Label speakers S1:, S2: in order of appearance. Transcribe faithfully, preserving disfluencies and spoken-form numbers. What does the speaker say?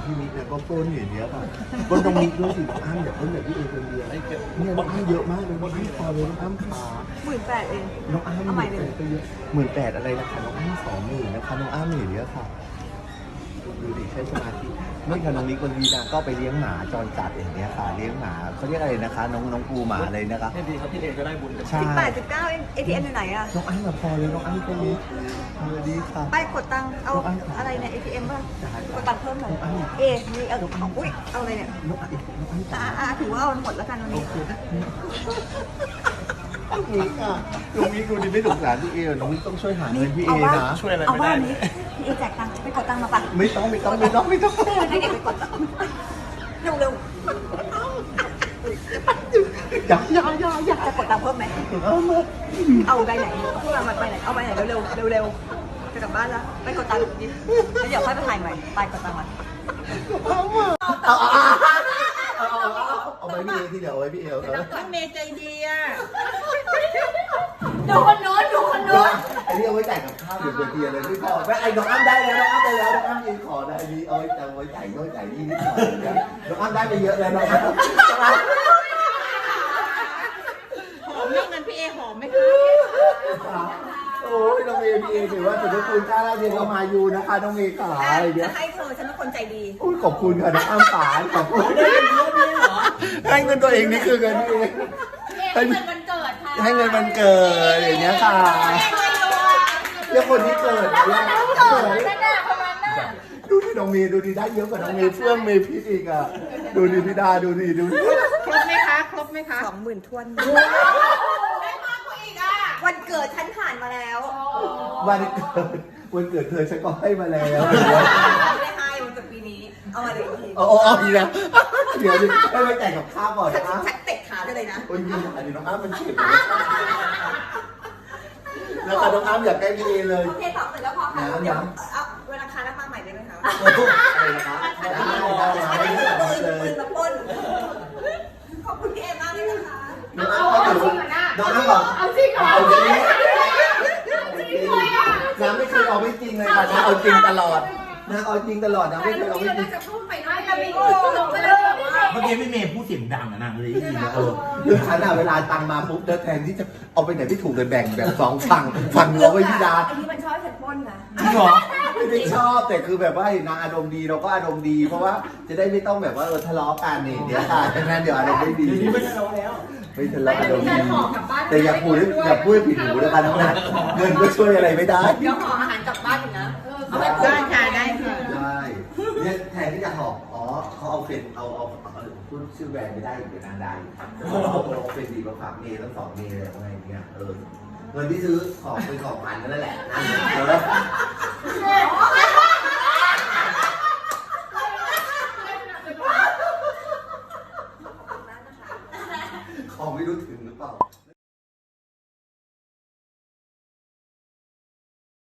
S1: พี่มิกเนี่ยก็ปล้นอย่างเงี้ยค่ะปล้นตรงมิกด้วยสิน้องอ้ำอย่าปล้นแบบพี่เอคนเดียวเนี่ยน้องอ้ำเยอะมากเลยน้องอ้ำพอเลยน้องอ้ำขา
S2: หมื่นแปดเอง
S1: น้องอ้ำหมื่นแปดก็เยอะหมื่นแปดอะไรนะคะน้องอ้ำสองหมื่นนะคะน้องอ้ำอย่างเงี้ยค่ะดูดิใช้สมาธิเมื่อกี้น้องมิกวันวีนาก็ไปเลี้ยงหมาจรจัดอย่างเงี้ยค่ะเลี้ยงหมาเขาเรียกอะไรนะคะ น้องน้องปูหมาอะไรนะคะ
S3: ให้ดีครับพี่เองก็ได้บุญกัน
S1: ใช่
S2: สิบแปดสิบเก้าเอง เอ ที เอ็ม อยู่ไหนอะ
S1: น้องอ้ำมาพอเลยน้องอ้ำก็มีสวัสดีค่ะ
S2: ไปกดตังค์เอาอะไรเนี่ย เอ ที เอ็ม ป่ะกดตังค์เพิ่มหน่อยเอมีเอาเอาอุ้ยเอาอะไรเนี่ย
S1: น้องอ้ำน้องอ้ำ
S2: อ่าอ่าถือว่าเอาหมดแล้วกันวันนี้
S1: น้องมิกอ่ะน้องมิกดูดิไม่สงสารพี่เอน้องมิกต้องช่วยหาเงินพี่เอ
S2: เอาว่า
S1: นะ
S3: ช่วยอะไร
S2: เอา
S3: ไม่
S2: ว่า
S3: ได้
S2: นี้พี่เอแจกตังค์ไปกดตังค์มาปะ
S1: ไม่ต้องไม่ต้องไม่ต้องไม่ต้อง
S2: ให้เด็กไปกดตังค์เร็วเร็ว
S1: อย่าอย่าอย่าอย่า
S2: จะกดตังค์เพิ่มไหม
S1: เอามา
S2: เอาใบไหนพูดมาใบไหนเอาใบไหนเร็วเร็วเร็วเร็วจะกลับบ้านแล้วไปกดตังค์ดิแล้วเดี๋ยวค่อยไปถ่ายใหม่ไปกดตังค์มา
S1: เอามาเอาเอาเอาเอาเอาไปพี่เอที่เดี๋ยวเอาไว้พี่เอเอา
S4: พี่เมย์ใจดีอ่ะ
S2: ดูคนโน้นดูคนโน้น
S1: ไอ้นี่เอาไว้จ่ายกับข้าวเดี๋ยวเดี๋ยวเลยไม่พอแม่ไอ้น้องอ้ำได้แล้วน้องอ้ำได้แล้วน้องอ้ำยิงขอได้ดีเอาไว้เอาไว้จ่ายน้อยจ่ายนี่นิดหน่อยน้องอ้ำได้ไปเยอะแล้วน้องอ้ำ
S4: หอมไหมเงินพี่เอหอมไหมคะ
S1: โอ้ยน้องเมย์พี่เอถือว่าถือว่าคุณค่าเราเรียนเรามาอยู่นะคะน้องเมย์ขาอะไรเงี้
S2: จะ
S1: ย
S2: ให้เธอฉันเป็นคนใจดี
S1: อุ้ยขอบคุณค่ะน้องอ้ำป๋าขอบคุณให้เงินตัวเองนี่คือเงินพี่เองให้
S4: เงินวันเกิดค่ะ
S1: ให้เงินมันเกิดอย่างเงี้ยค่ะเรียกคนที่เกิดแล้ว
S4: เกิดนั่นน่ะประมาณนั้น
S1: ดูที่น้องเมย์ดูดีได้เยอะกว่าน้องเมย์เฟื่องเมย์พิษอีกอ่ะดูดิพี่ดาดูดิดูดิ
S4: ครบไหมคะครบไหมคะ
S2: สองหมื่นทวน
S4: ได้มากกว่าอีกอ่ะ
S2: วันเกิดฉันผ่านมาแล้ว
S1: วันเกิดวันเกิดเธอฉันก็ให้มาแล้ว
S2: ไม่ได้ให้วันเกิดปีนี้ เอามาเลยที
S1: โอ้โหอีกแล้วเดี๋ยวดิให้ไปแต่งกับข้าวก่อน
S2: ฉัน
S1: นะ
S2: ฉันเตะขาได้เลยนะ
S1: โอ้ยยิงอันนี้น้องอ้ำมันเจ็บเลยแล้วค่ะน้องอ้ำอยากใกล้พี่เอเลย
S2: โอเคตอบเสร็จแล้วพอค่ะเดี๋ยวเอาเวลาคาแล้วมาใหม่ได้ไหมคะ
S1: อะไรนะคะได้ได้ได้
S2: อันนี้
S1: ได้
S2: คือปืน
S1: เล
S2: ปื
S1: ย
S2: นมาปล้นขอบคุณพี่เอมากเลยนะคะ
S1: น้องอ้ำก็ถือน้องอ้ำบอก
S4: เอาจริงเหรอ
S1: เอาจริงน้ำไม่เคยเอาไม่จริงเลยค่ะน้ำเอาจริงตลอดน้ำเอาจริงตลอดน้ำไม่เคยเอาไม่จริง
S4: จะพูดไปด้วยจะมีตลกไปเลยแบบว่า
S5: เมื่อกี้พี่เมย์พูดเสียงดังอะนางเลยได้ยินนะเออ
S1: คือฉันอะเวลาตังมาปุ๊บเดินแทนที่จะเอาไปไหนไม่ถูกเลยแบ่งแบ่งสองฝั่งฝั่งเราไว้ที่ดา
S2: อันนี้มันชอบฉันปล้นนะ
S5: จริงเหรอ
S1: ไม่ได้ชอบแต่คือแบบว่าเห็นนางอารมณ์ดีเราก็อารมณ์ดี เพราะว่าจะได้ไม่ต้องแบบว่าเออทะเลาะกันนี่เดี๋ยวค่ะฉะนั้นเดี๋ยวอารมณ์ไม่ดี
S5: เดี๋ยวนี้ไม่ทะเลาะแล้ว
S1: ไม่ทะเลาะอารมณ์ดีแต่อย่าพูดอย่าพูดผิดหูนะคะน้องนัทเงินก็ช่วยอะไรไม่ได้
S2: เดี๋ยวห่ออาหารกลับบ้านอยู่นะ
S4: เอาไปได้ค่ะได้ค่ะ
S1: ได้เนี่ยแทนที่จะหอบอ๋อเขาเอาเป็นเอาเอาเอาพูดชื่อแบรนด์ไม่ได้เดี๋ยวนางได้เขาเอาเอาเป็นดีมาฝากเมย์ทั้งสองเมย์อะไรอย่างเงี้ยเออเงินที่ซื้อของเป็นของพันนั่นแหละนั่นแหละของไม่รู้ถึงหรือเปล่า